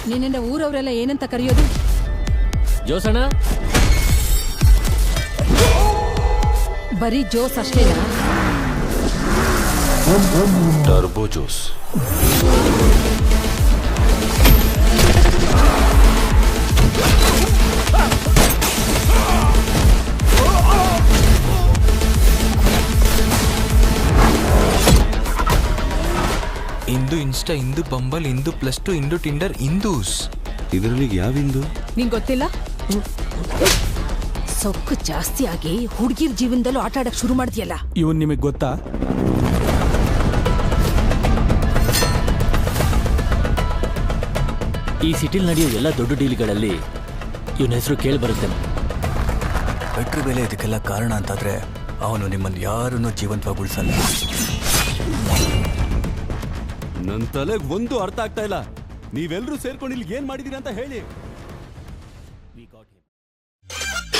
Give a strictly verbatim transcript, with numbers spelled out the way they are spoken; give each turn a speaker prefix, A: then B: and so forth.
A: ನಿನ್ನ ಊರವರೆಲ್ಲ ಏನಂತ ಕರೆಯೋದು?
B: ಜೋಸಣ್ಣ.
A: ಬರೀ ಜೋಸ್ ಅಷ್ಟೇನಾ?
C: ಟರ್ಬೋ ಜೋಸ್.
D: ಇಂದು ಇನ್ಸ್ಟಾ, ಇಂದು ಬಂಬಲ್, ಇಂದು ಪ್ಲಸ್ ಟು, ಇಂದು ಟಿಂಡರ್, ಇಂದೂಸ್.
C: ಇದರಲ್ಲಿ ಯಾವ ಇಂದು
A: ನಿಂಗೆ ಗೊತ್ತಿಲ್ಲ? ಸೊಕ್ಕು ಜಾಸ್ತಿ ಆಗಿ ಹುಡುಗಿರ್ ಜೀವನದಲ್ಲೂ ಆಟ ಆಡಕ್ ಶುರು ಮಾಡ್ತೀಯಲ್ಲ.
E: ಇವನ್ ನಿಮಗ್ ಗೊತ್ತಾ?
B: ಈ ಸಿಟಿಲ್ ನಡೆಯೋ ಎಲ್ಲ ದೊಡ್ಡ ಡೀಲ್ಗಳಲ್ಲಿ ಇವನ ಹೆಸರು ಕೇಳಿ ಬರುತ್ತೆ.
F: ಪೆಟ್ರೋಲ್ ಬೆಲೆ ಇದಕ್ಕೆಲ್ಲ ಕಾರಣ ಅಂತಾದ್ರೆ ಅವನು ನಿಮ್ಮನ್ನು ಯಾರನ್ನೂ ಜೀವಂತವಾಗಿ ಉಳಿಸಲ್ಲ.
C: ನನ್ನ ತಲೆಗೆ ಒಂದು ಅರ್ಥ ಆಗ್ತಾ ಇಲ್ಲ. ನೀವೆಲ್ಲರೂ ಸೇರ್ಕೊಂಡು ಇಲ್ಲಿ ಏನ್ ಮಾಡಿದೀರ ಅಂತ ಹೇಳಿ.